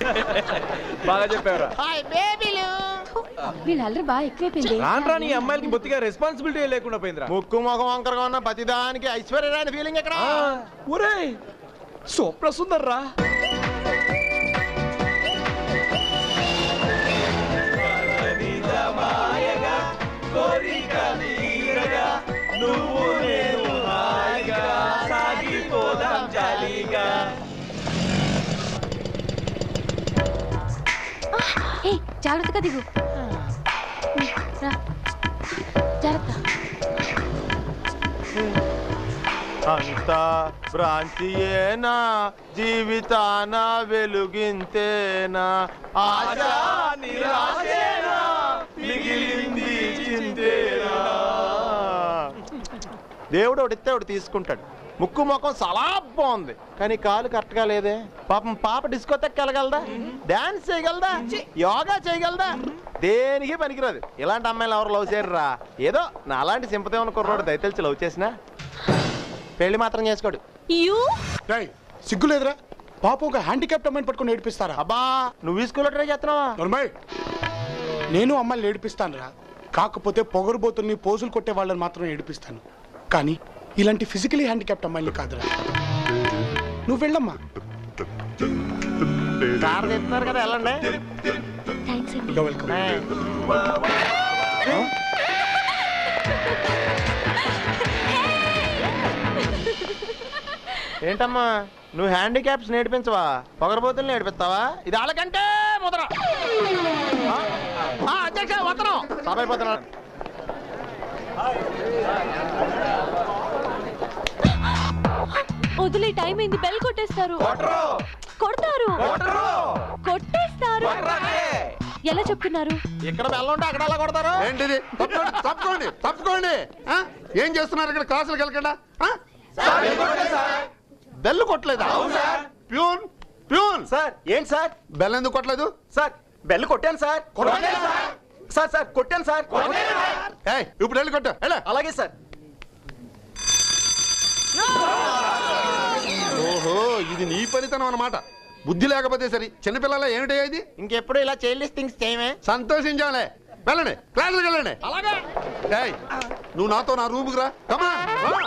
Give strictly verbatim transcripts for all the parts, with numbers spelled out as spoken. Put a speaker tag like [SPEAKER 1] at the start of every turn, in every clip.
[SPEAKER 1] బాగా చెప్పారా
[SPEAKER 2] వీళ్ళందరూ బాగా ఎక్కువైపోయింది.
[SPEAKER 1] రాను రాని ఈ అమ్మాయిలకి బొత్తిగా రెస్పాన్సిబిలిటీ లేకుండా పోయిందిరా.
[SPEAKER 3] ముక్కు ముఖం వంకరగా ఉన్న ప్రతిదానికి ఐశ్వర్యరాని ఫీలింగ్ ఎక్కడ?
[SPEAKER 1] ఒరే సూప్ర సుందర్ రా.
[SPEAKER 2] జాగ్రత్తగా దిగు. జాగ్రత్త.
[SPEAKER 3] అంత భ్రాంతియేనా జీవితాన వెలుగింతేనా ఆశా నిరాశేనా మిగిలింది చింతేనా. దేవుడు ఒకటిస్తే ఒకటి తీసుకుంటాడు. ముక్కు ముఖం చాలా బాగుంది కానీ కాలు కరెక్ట్గా లేదే. పాపం పాప డిస్కోతెక్ వెళ్ళగలదా? డాన్స్ చేయగలదా? యోగా చేయగలదా? దేనికి పనికిరాదు. ఇలాంటి అమ్మాయిలు ఎవరు లవ్ చేయరురా. ఏదో నా అలాంటి సింపతి ఉన్న కుర్రోడు దయతలిచి లవ్ చేసినా పెళ్లి మాత్రం చేసుకోడు.
[SPEAKER 4] సిగ్గులేదురా? పాప ఒక హ్యాండిక్యాప్ట్ అమ్మాయిని పట్టుకుని ఏడిపిస్తారా?
[SPEAKER 3] అబ్బా నువ్వు స్కూల్లో ట్రై చేస్తున్నావా?
[SPEAKER 4] నేను అమ్మాయిని ఏడిపిస్తాను రా. కాకపోతే పొగరుబోతుల్ని పోజులు కొట్టే వాళ్ళని మాత్రం ఏడిపిస్తాను. కానీ ఇలాంటి ఫిజికలీ హ్యాండిక్యాప్ట్ అమ్మాయిని కాదురా. నువ్వు వెళ్ళమ్మా.
[SPEAKER 3] కార్ తెస్తున్నారు కదా వెళ్ళండి.
[SPEAKER 4] వెల్కమ్.
[SPEAKER 3] ఏంటమ్మా నువ్వు హ్యాండిక్యాప్స్ నేర్పించవా? పొగరబోతుల్ని నేర్పిస్తావా? ఇది వాళ్ళకంటే ముద్ర. అధ్యక్ష ఉత్తరం సభ అయిపోతున్నాడు.
[SPEAKER 2] వదిలే టైం అయింది. బెల్ కొట్టేస్తారు. కొడతారు. కొట్టేస్తారు. ఎలా చెప్తున్నారు?
[SPEAKER 3] ఇక్కడ బెల్ ఉంటే అక్కడ ఎలా కొడతారు?
[SPEAKER 5] ఏంటిది? తప్పుకోండి తప్పుకోండి. ఏం చేస్తున్నారు ఇక్కడ? క్లాసులకు వెళ్ళకుండా బెల్ కొట్టలేదా? ప్యూన్ ప్యూన్
[SPEAKER 3] సార్ ఏంటి సార్
[SPEAKER 5] బెల్ ఎందుకు కొట్టలేదు?
[SPEAKER 3] సార్ బెల్ కొట్టాను సార్. సార్ సార్ కొట్టాను సార్.
[SPEAKER 5] ఇప్పుడు వెళ్ళి కొట్టా.
[SPEAKER 3] అలాగే సార్.
[SPEAKER 5] ఓహో ఇది నీ పనితనం అన్నమాట. బుద్ధి లేకపోతే సరి. చిన్నపిల్లల ఏమిటి ఇది?
[SPEAKER 3] ఇంకెప్పుడు ఇలా చైల్డ్లెస్ థింగ్స్ చేయమే.
[SPEAKER 5] సంతోషించాలే. వెళ్ళండి క్లాసులకు వెళ్ళండి.
[SPEAKER 3] అలాగే.
[SPEAKER 5] నువ్వు నాతో నా రూముకి రా. కమాన్.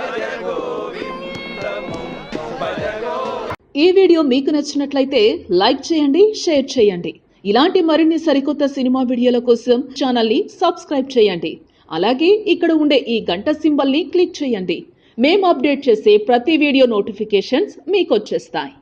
[SPEAKER 6] ఈ వీడియో మీకు నచ్చినట్లయితే లైక్ చేయండి, షేర్ చేయండి. ఇలాంటి మరిన్ని సరికొత్త సినిమా వీడియోల కోసం ఛానల్ ని సబ్స్క్రైబ్ చేయండి. అలాగే ఇక్కడ ఉండే ఈ గంట సింబల్ ని క్లిక్ చేయండి. మేము అప్డేట్ చేసే ప్రతి వీడియో నోటిఫికేషన్స్ మీకు వచ్చేస్తాయి.